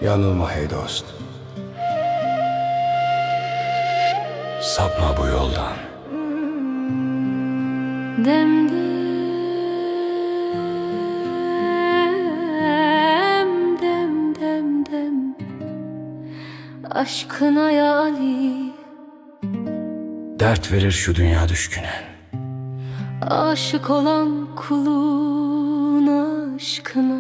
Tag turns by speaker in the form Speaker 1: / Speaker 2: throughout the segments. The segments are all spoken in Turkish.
Speaker 1: Yanılma hey dost. Sapma bu yoldan.
Speaker 2: Dem dem dem dem aşkına ya Ali,
Speaker 1: Dert verir şu dünya düşküne.
Speaker 2: aşık olan kulun aşkına.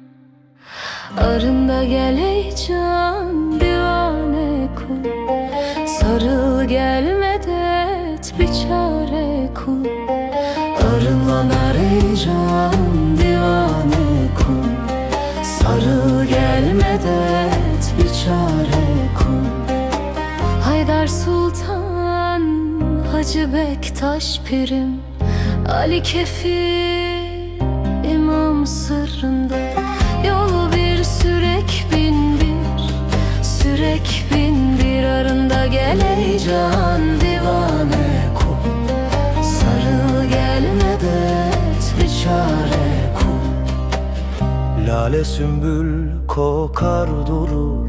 Speaker 2: Arında gel ey can divane kul, sarıl gelmede et bir çare kul. Arınlanar ey can divane kul, sarıl gelmede et bir çare kul. Haydar Sultan, Hacı Bektaş Pirim, Ali Kefir İmam sırrında. Yol bir sürek bin bir, sürek bin bir. Arında gel ey can divane kul, sarıl gelmede et bir çare kul.
Speaker 3: Lale sümbül kokar durur,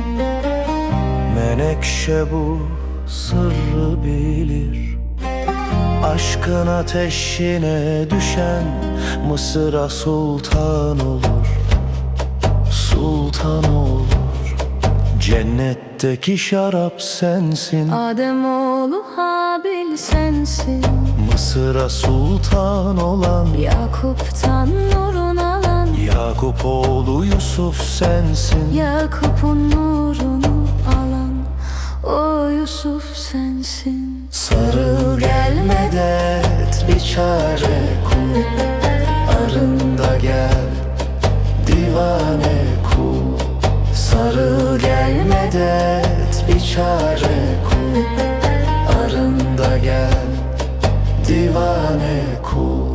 Speaker 3: menekşe bu sırrı bilir. Aşkın ateşine düşen Mısır'a sultan olur, sultan olur. Cennetteki şarap sensin,
Speaker 2: Ademoğlu Habil sensin,
Speaker 3: Mısır'a sultan olan
Speaker 2: Yakup'tan nurun alan.
Speaker 3: Yakup oğlu Yusuf sensin.
Speaker 2: Yakup'un nurunu alan o Yusuf sensin.
Speaker 3: Sarıl gelmede et bir çare kul, arında gel divane kul. Sarıl gelmede et bir çare kul, arında gel divane kul.